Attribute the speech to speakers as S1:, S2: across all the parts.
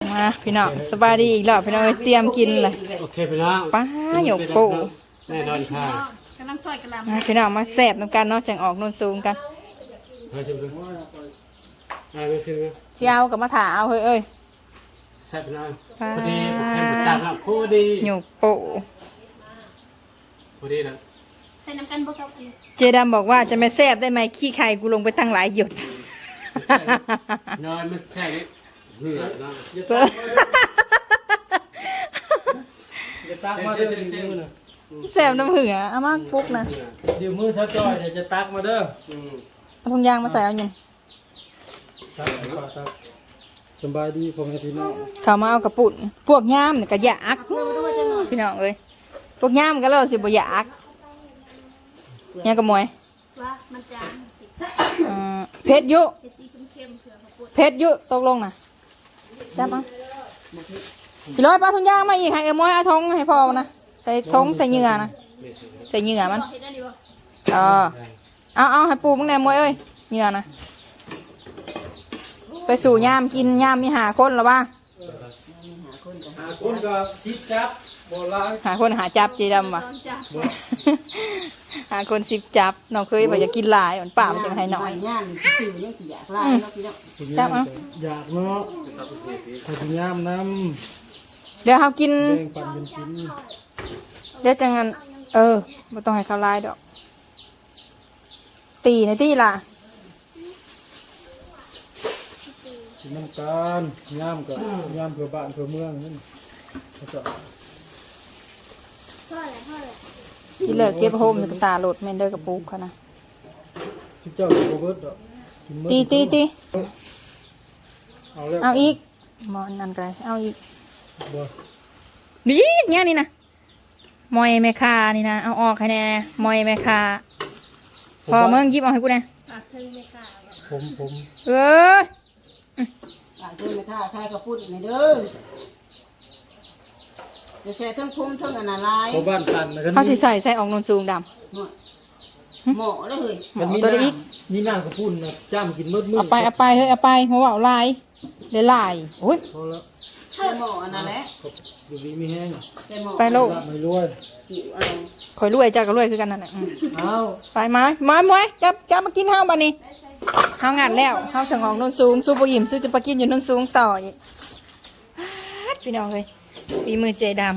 S1: มาพี่น้องสบายดีอีกแล้วพี่น้องเตรียมกินเลย
S2: โอเคพี่น้อง
S1: ป้าหยกปู
S2: แน่นอนค่ะ
S3: กำลังซอยกระลำ
S1: พี่น้องมาแสบน้ำกันเนาะจังออกนนสูงกัน
S2: มาชิมดูไม่ชิมนะ
S1: เจ้ากับมาถาเอาเฮ้ย
S2: แซ่บพี่น้องพอดีผมแค่หมดจานแล้วพอดี
S1: หยกปู
S2: พอดีนะ
S3: ใส่น้ำกันบ่ครับ
S1: เจดำบอกว่าจะไม่แสบได้ไหมขี้ไข่กูลงไปตั้งหลายหยด
S2: นอนไม่แซ่บเหนื่อยนะ
S4: จะตักมาเด้อมือนะ
S1: แสบน้ำเหือเอามาปุ๊กนะ
S4: เดี๋ยวมือซะจอยเดี๋ยวจะตักมาเด้อ
S1: เอาถุงยางมาใส่เอายัง
S4: ตักสบายดีพ่อแม่พี่น้อง
S1: เขามาเอากระปุ่นพวกย่ามเนี่ยก็อยากพี่น้องเอ้ยพวกย่ามก็เล่าสิบ่อยากยังกระมวย
S3: ว่ามันจาง
S1: เพชรยุ
S3: เผ็ดสีเข้มๆเผื่อเขาปวด
S1: เพชรยุตกลงนะจับเอาพี่ร้อยปลาถุงยางมาอีกให้เอ็มอยเอาทงให้พ่อนะใส่ทงใส่เหงื่อนะใส่เหงื่อมัน
S3: เผ็ดได้ดีบ่
S1: เอาให้ปูมึงแหนมวยเอ้ยเหงื่อนะไปสู่ย่ามกินย่ามมีหาคนหรอบ้า
S4: หาคนก็ซิดจับบ่ลาย
S1: หาคนหาจับจีดำวะ
S3: ลองจับ
S1: หาคน10จับน้องเคยบอกจะกินหลายเหมือนป่ามันจังให้หน่อย
S5: ย่างสิยังสิอยากลายเนาะพี่น้อง
S1: จับเอา
S4: อยากเนาะขอพยายามน
S1: เดี๋ยวเขากิน
S4: ำแบ่งปันกันกิน
S1: เดี๋ยวจังงั้นไม่ต้องให้เขาไล่ดอก ตีในตีล่ะ
S4: กินน้ำกันย่ามกับย่ามเพื่อบ้านเพื่อเมืองนั่นเขาจะ
S1: ที่เลิกเก็บโฮมจะตาโหลดเมนเดอร์กับปุ๊กเขานะ
S4: ที่เจ้าโรเบิร์ตดอกกินมื้อ
S1: ตี
S4: เอาแล้ว
S1: เอาอีกหมอนนั่นก็ได้เอาอีก
S4: บ่
S1: นี่เนี่ยนี่นะมอยแม่คานี่นะเอาออกให้แน่มอยแม่คาพอเมืองยิบเอาให้กูแน่
S3: ปากเธอไม่กล้าบ่
S4: ผม
S1: เอ้ย
S5: อ่านเด้อแม่ค้าใครก็พูดในเด้อจะแช่ทั้งพุ่มทั้งอันอะไร
S4: พอบ้านตันนะกัน
S1: เขาสิใส่ออกนนสูงด
S5: หมอเลย
S1: ำเอาตัวเดียวอีก
S4: มีน้ำกับพุ่นนะจ้ำกินมืดมืด
S1: เอาไปเฮ้ยเอาไปเพราะว่าเอาลายเดี๋ยวลายโอ้ย
S4: พอแล้ว
S5: แต่หมออันนั้นแหละ
S4: อยู่ดีมีแห้ง
S5: แต่หมอ
S1: ไปโลก
S4: ไม่รวย
S5: หิวเอา
S1: ข่อยรวยเจ้าก็รวยคือกันนั่นแหละ
S4: เอา
S1: ไปมามวยจับมากินข้าวบ้านี้ข้าวงานแล้วข้าวถึงออกนนสูงสู้ปยิมสู้จะไปกินอยู่นนสูงต่ออีกพี่น้องเลยฝีมือเจดำ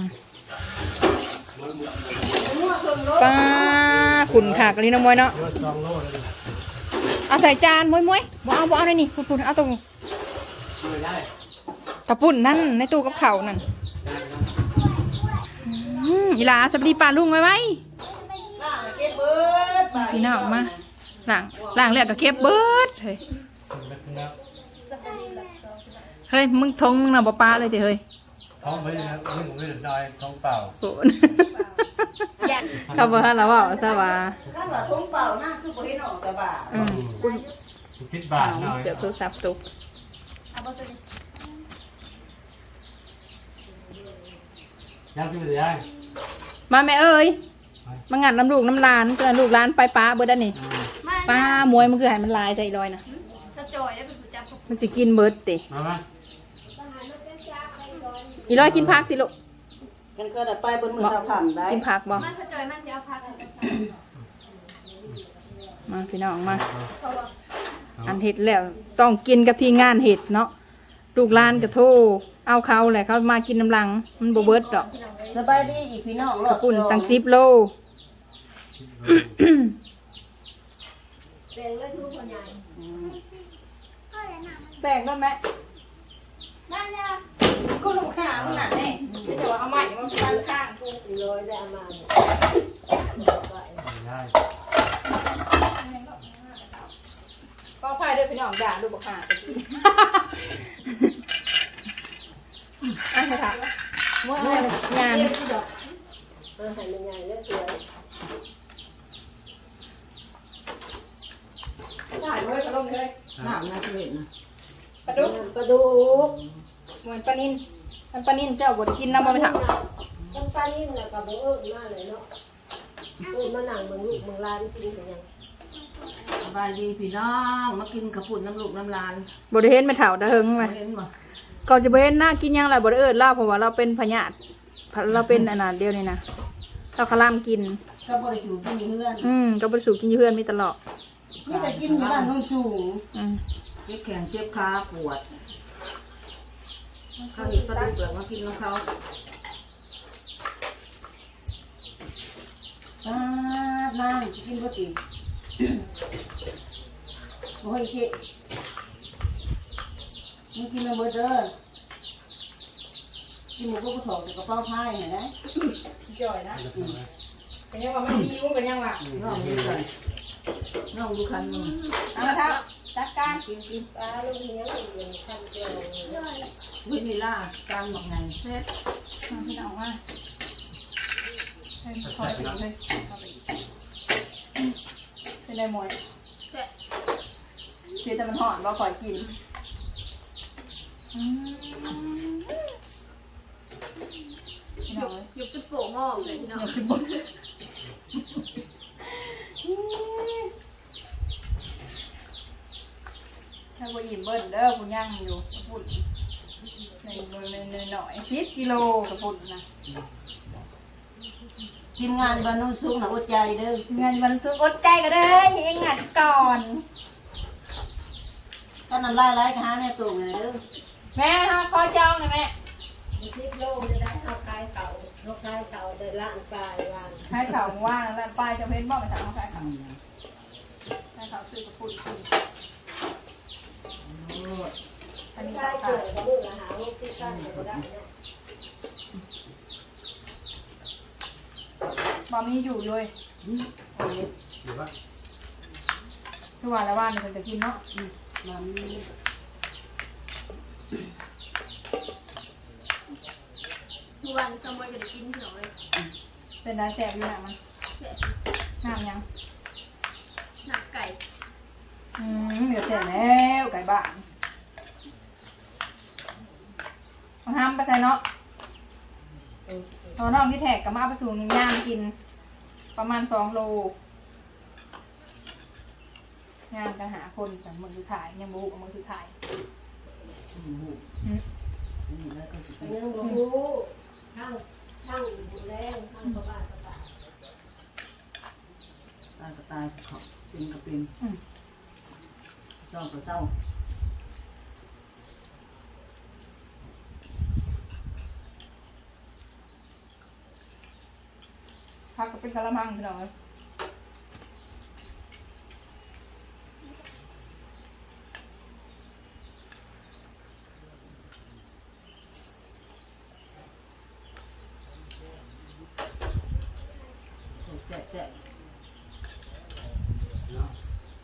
S1: ป้าขุนขากลิ้นน้ำมวยเนาะ
S2: เลือดจองโลเลย
S1: เอาใส่จานมวยบ่เอาเลยนี่พูดเอาตรง
S2: ไม่ได้
S1: กระปุ่นนั่นในตู้กับเข่าวนั่นอีหลาสวัสดีป้าลุงไว้
S5: เก็บเบิด
S1: พี่น้องมาล้างเลือดกับเก็บเบิดเฮ้ย
S2: สิ่งเล็กน้อย
S1: เฮ้ยมึงทงมึงน่ะบ่ปลาเลยเถอะเฮ้ย
S2: ท้องไม่ได้นะนี่ผมไม่ได้ดอยท้องเปล่า
S1: โหเขาบอกให้เราว่าซะว่า
S5: ถ้าว่าท้องเปล่านะคือบ่เห็นออกแต่บ่า
S2: คิดบาทหน่อย
S1: เดี๋ยวโทรศัพท์ตก
S3: เอาบ่ตัวนี้
S2: ยังกินไม่ได้
S1: มาแม่เอ้ยมางัดน้ำลูกน้ำลานก็ลูกลานไปป้าเบิดอันนี้ป้ามวยมันคือให้มันลายใจลอยนะ
S3: สะจอยได้เป็นผู้จับ
S1: มันสิกินเบิดติ
S2: มาไหม
S1: อีร้อยกินผักติลูก
S5: กันก็ได้ไปบนมือตาผ่ำได้
S1: กินผักบ่
S3: มาสะจอยมาสิเอาพัก
S1: มาพี่น้องมา
S3: เพราะว่า
S1: อันเห็ดแล้วต้องกินกับที่งานเห็ดเนาะลูกหลานกระโทเอาเขาแหละเขามากินน้ำลังมันบ่เบิดดอก
S5: สบายดีอีกพี่น้องร
S1: ก
S5: อ
S1: ระ
S5: บ
S1: ปุ่น
S5: สอง
S1: ตั้ง10 โลแบกได้ไหม
S3: ได้เนี่ย
S1: ก็ลูกค้ามึงน่ะแน่ไม่ใช่ว่าเอาใหม่มันฟันข้างกู
S2: ไม่ได้
S1: ก็พายด้วยพี่น้องด่าลูกบ่ค้าไปกินอ่ะค่ะว่างานถ่ายไว้กระลงเลย
S5: น้ำนะเห็นนะ
S1: ปลาดุกเหมือนปลานินมันปลานินเจ้าบดกินน้ำมันไปถัก
S6: จำปานิ่มแล้วก็บ่เอิ้นมาเลยเนาะเอิ้นมานั่งเบิ่งลูกเบิ่งหลานกินกันยัง
S5: สบายดีพี่น้องมากินกระปุ่นน้ำลูกน้ำลาน
S1: บไดเห็นไม่เถ่าตะเฮงเลย
S5: เห็นบ่
S1: ก่อนจะไปเห็นหน้ากินหยังไรบ่ได้เอิ้นเล่าเพราะว่าเราเป็นพยาธิเราเป็นอันนั้นเดียวนี่นะเราคลามกิน
S5: ก็บริสุทธิ์กินเพื่อน
S1: ก็บ่ได้สูกินอยู่เฮือนมีตลอด
S5: นี่แต่กินอยู่บ้านโนุ่นสูง
S1: อืม
S5: เจ็บแขนเจ็บขาปวดเขาเห็นก็ได้เปลือกมากินของเขานั่งกินก็ติโอ้ยเจ๊มึงกินมาเบอร์เด้อกินหมูก็ถอดจากกระเป๋าผ้าเห็นไหม
S1: จ่อยนะเป็นยังว่ามันหิวเป็นยังว่า
S5: น้องดูกันน้องดูคันมึง
S1: เอาละครับจัดการ
S5: กิน
S6: ปลาลูกนี้ยังอยู่คันเดียว
S5: วินิล่าการหมักไงเซ็ต
S1: มาพี่น้องมาให้คอยไปอีกเลยเข้าไปอีกเป็นไรหมวย
S3: แต่
S1: คือแต่มันหอนว่าคอยกินพี่น้องเลย
S3: ยุบจุดโป่งหม้อเลยพี่น้อง
S1: อยากกินบนถ้าว่าอิ่มเบิ้ลเด้อคุณย่างอยู่พูดในหน่อย10 กิโลกับพูดนะ
S5: ทีมงานบ้านโนุ่นสูงนะอดใจเด้อง
S1: านวันสุกอดใจก็ได้เองงัดก่อน
S5: ก็นำลายๆกันหาในตู้ไงเด้อ
S1: แม่ฮะขอจองหน่อยแม่
S6: 10 โลจะได้เอาคายเก่าโรคคายเก่าเดินล้านปลายวาง
S1: ใช้เข่าว่างแล้วปลายจะเพ้นบอกไปถามเขาใช้เข่าใช้เข่าซื้อกระปุกกินอันนี้
S6: คาย
S1: เข่า
S6: เกิดกับมือละหาลูกที่ข้างก็ได้เนาะ
S1: บะมีอยู่เลย
S5: โอ้ย
S2: หรือว่า
S1: ทุกวันละวันเดี๋ยวจะกินเนาะ
S5: มัน
S3: ทุกวันสมมติจะได้กินพี่น้องเลย
S1: เป็นได้แสบอยู่หนักมัน
S3: เสีย
S1: น้ำยัง
S3: หนักไก่
S1: เดี๋ยวเสร็จแล้วไก่บ้านมาทำไปใส่เนาะตอนน้องที่แท็กกับมาไปสู่ย่างกิน ประมาณ2 โลงานกันหาคนจากเมืองสุดท้ายยังบุกเมืองสุดท้าย
S5: นี่แล้วก็สิ
S6: ยังบ่รู้ทั้งบุญแรงทั้งประบาทประบาท
S5: ตายก็ตายเขาเป็นก็เป็นเศร้าก็เศร้า
S1: พักก็เป็นกะละมังพี่น้อง
S5: แจ๊ะแจ๊ะ
S2: เนาะ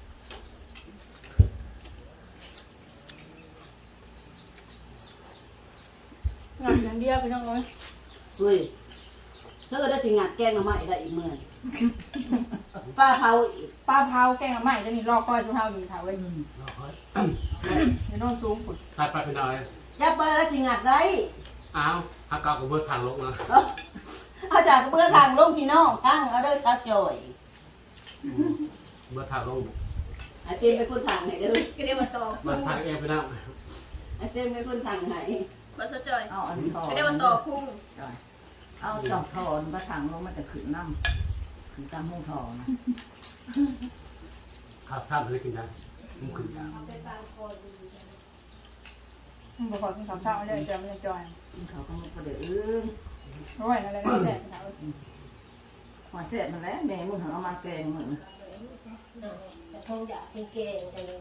S1: งานอย่างเดียวพี่น้องเอ้ย
S5: เฮ้ยถ้าเกิดได้ถึงงานแกงมาใหม่ได้อีกเมื่อป้าเผาอีก
S1: ปลาเผาแกงละไม้จะนี่ลอกก้อยชุบเผาอยู่เผาไว้
S2: เราค่อย
S1: ในโน่นสูงฝุ่น
S2: ตัดไปเป็นอะไร
S5: ยับไปแล้วถึงงานได้
S2: อ้าวฮักเกากับเบิร์ดทางลงนะ
S5: เอาจากเบื่อทางลงพี่น้องตั้งเอาเด้อชาจ่อย
S2: เบิร์ดทางลง
S5: ไอเต็มไปคนทางไหนเด้อ
S3: ก็ได้มาตอบ
S2: เบิร์ดทางเองไปนั่ง
S5: ไอเต็มไปคนทางไหน
S3: มาสะจอย
S5: เอาอันนี้ทอ
S3: ก็ได้มาตอบพุ่ง
S5: เอาสองทอนมาทางลงมันจะขึ้นน้ำขึ้นตามห้องทอนะ
S2: ข้าวซ้ำเลยกินได้มึงขึ้นได้
S1: บอกขอกินข้าวเช้าเลยจะไม่จอย
S5: กินเขาต้องประเดี๋ยว
S1: ร้อยอะไรนั่นแหละพี่น้อง
S5: หัวเสร็จมันแล้วแม่มึงเอามาแกงมึง
S6: แต่คงอยากกินแกงกันเลย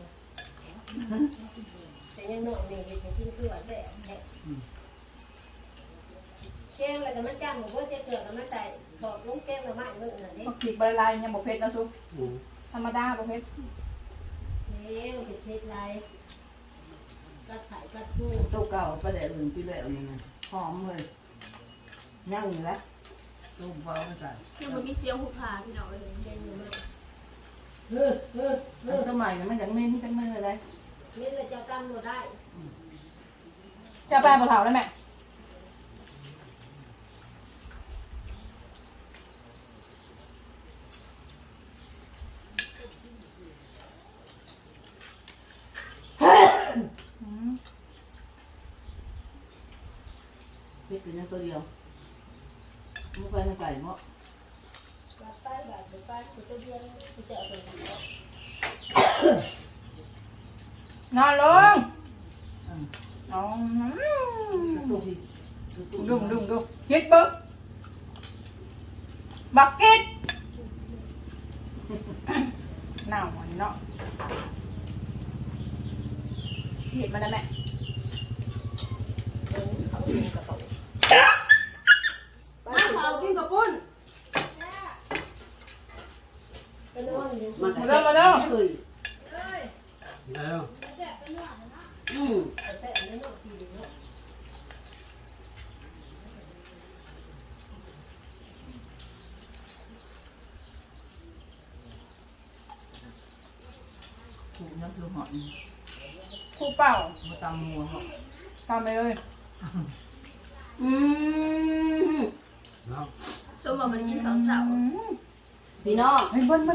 S6: แต่ยังหน่อยนี่เห็นกินเกลือแซ่บแท้แกงแล้วก็มันจ้างบอกว่าจะเกลือก็มาใส่ถอดลงแกงละไม้มื้อนั่นนี่
S1: พวกขีดใบลายยังบอกเพชรนะซุปธรรมดาบอกเพชร
S6: เลี้ยวเผ็ดๆไรก็ไข่ก็ทู่
S5: ตู้เก่าประเดี๋ยวอื่นที่แล้วนี่ไงหอมเลยย่างอยู่แล้วตู้เบาไม่ใส่
S3: ยังมันมีเสียวหูผาพี่น้องเลย
S6: แกงละไม้
S5: แล้วทำไมเนี่ยมันยังไม่จังไม่เลย
S6: เม็ดละเจ้าตำบ่ได้
S1: จะไปปลาเผาได้ไหม
S5: เล็กเป็นตัวเดียวมุกไปทางไก่เนาะ
S6: แบบไปแบบไปตัวเดียวจะเอาไปไหน
S1: นอนลงนอน
S5: ตัวพี่
S1: ดุฮิตเบิ้งบักกิดหนาวอันนี้เนาะเห็ดมาแล้วแม่
S6: เขาเรียนกระเป๋า
S5: มาเผากินกับปุ้น
S6: เป็นว่าอย่าง
S5: มาเด้อเฮ้ย
S2: แล้ว
S6: แต่อันนี้เนาะทีเนาะ
S5: ถูกน้ำคือหอน
S1: คู่เป่า
S5: มาตำมัวเหาะ
S1: ทำไปเลย
S2: แล้ว
S3: ส้มบอกมันกินข้าวเสาร์
S5: พี่น้อง
S1: เฮ้ยเบิ้ล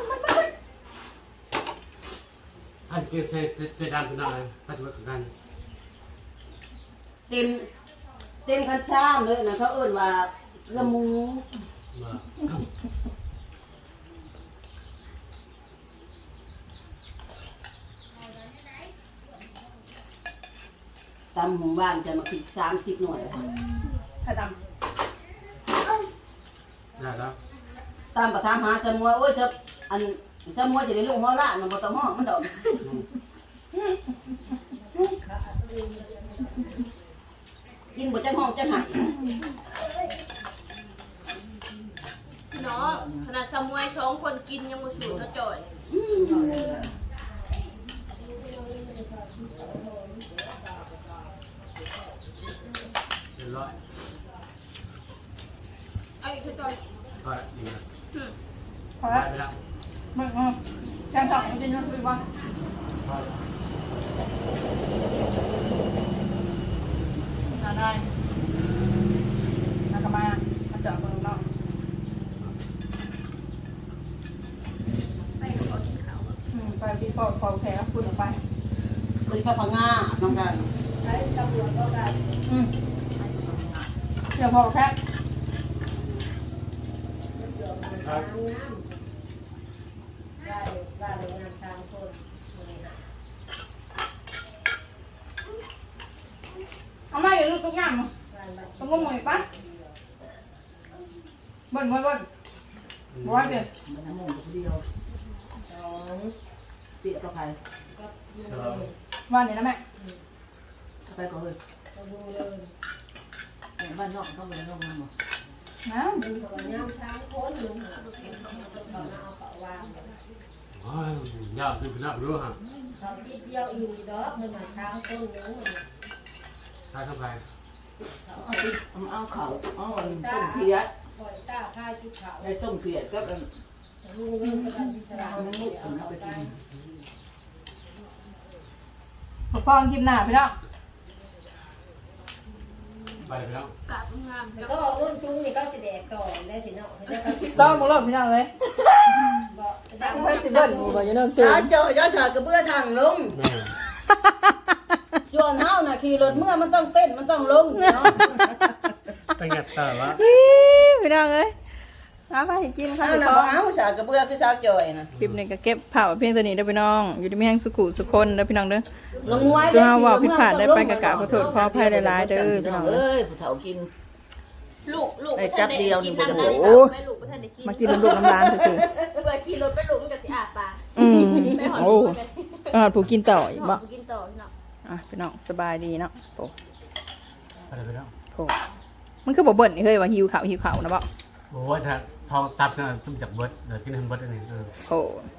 S2: อันเกี่ยวเสดำเป็นอะไรปัจจุบันกัน
S5: เต็มคันช่างเลยนะเขาเอิ้นว่าละมู
S2: มา
S5: ตำหมู่บ้านจะมาคิด30หน่วย
S1: ใครท
S2: ได้แล้ว
S5: ตามประทามหาสมัวโอ้ยครับอันสมัวจะได้ลูกหัวล้านมันบ่ต้องห้องมันดอกกินบ่จังห้องจังหาย
S3: เนาะขนาดสมวย2คนกินยังบ่สูดเนาะจ่อย
S2: เรียบร้อย
S3: เอาอีกคือจ่อย
S2: ก็ดีนะ
S1: ำพอ
S2: ได้
S1: แล้ว
S2: ไปแล้ว
S1: มึงแกงสองมันจะยังคือว่า
S2: พอแล้ว
S1: ได้นักมาเจาะคนนอก
S3: ไปขอกินข้าว
S1: ไปพี่พอแผลพูดออกไป
S5: เป็นข้าวผังงาน้องกัน
S6: ใช้ตำรวจก็ได้
S1: เดี๋ยวพอแค่
S6: งามได้ได้งานทางคน
S1: เอามาอย่าลูกตุ๊กย่างต้องงมหน่อยปะเบิ้ลบ้อยเดี๋ยว
S5: มันน้ำมันเดียว
S6: สอง
S5: เปียกกับไผ
S1: วันนี้นะแม่
S5: ไปก่อนเลย
S6: ก็ดูเลย
S5: บ้านนอกต้องไปนอกนั่งบ่
S1: น้
S6: มึงกับงามทางคนมึงเอาเป๋าวาง
S2: อ๋อยาวคือเป็นนับรู้ฮะ
S6: สองที่เดียวอีกดอกมันมาทางคนนึง
S2: ใช่เข้าไป
S5: เอาเขาเอาต้มเขียด
S6: ปล่อยตาค่ายจุดเขา
S5: ได้ต้มเขียดก็เป็น
S6: ลุงเรื่องกระดานที่สลาม
S5: มุกเอาไปกิน
S1: ำพอคลิปหน้าพี่น้อง
S2: ไปแล้ว
S3: กาบงาม
S6: ก็รุ่นซุ้งนี่ก็สิแดกต่อได้พี่น้องได้ก็สิ
S1: ซ้อมมึงรอบพี่น้องเลย
S6: บอกได้
S1: เพื่อนสิเบิ้ลบอกอยู่นั่นสูง
S5: จ้าเจ้าย่าฉากกระเบื้อทางลง
S2: แม่
S5: ส่วนเฮาน่ะขี่รถเมื่อมันต้องเต้นมันต้องลงเนาะ
S2: ตั้งแต่ต่อวะ
S1: พี่น้องเลยเอาไปกินข้าว
S5: เฮาน่ะบ่เอาฉากกระเบื้อคือสาวจอยน่ะ
S1: คลิปนี้ก็เก็บเผาเพียงตัวนี้เด้อพี่น้อง อยู่ที่มีแห่งสุขุสุคนเด้อพี่น้องเด้อ
S5: ลงมวย
S1: ช่วงว่าผิดพลาดได้ไปกะกะขอโทษขออภัยหลายๆเด้อพี่น้อง
S5: เอ้ยผู้เฒ่ากิน
S3: ลูก
S5: ได้จับเดียวนี่บ่ได้
S3: โอ้ไม่ลูกบ่ทันได้กิน
S1: มากินน้ำลูกน้ำร้านซื่อ
S3: เบื่อขี่รถไปลูกมันก็สิอาปาก
S1: ๆอืม
S3: ไปหอน
S1: โอ้ผู้กินต่ออีกบ่
S3: กินต่อเนาะ
S1: อ่ะพี่น้องสบายดีเนาะโอ้
S2: ไปแล้ว
S1: โหมันคือบ่เบิ่นนี่เฮ้ยว่าหิวข้าวนะบ่
S2: โอ้ยถ้าทองตับเนี่ยต้องจากเบิร์ดเดี๋ยวกินให้เบิร์ดอันนี้
S1: โอ้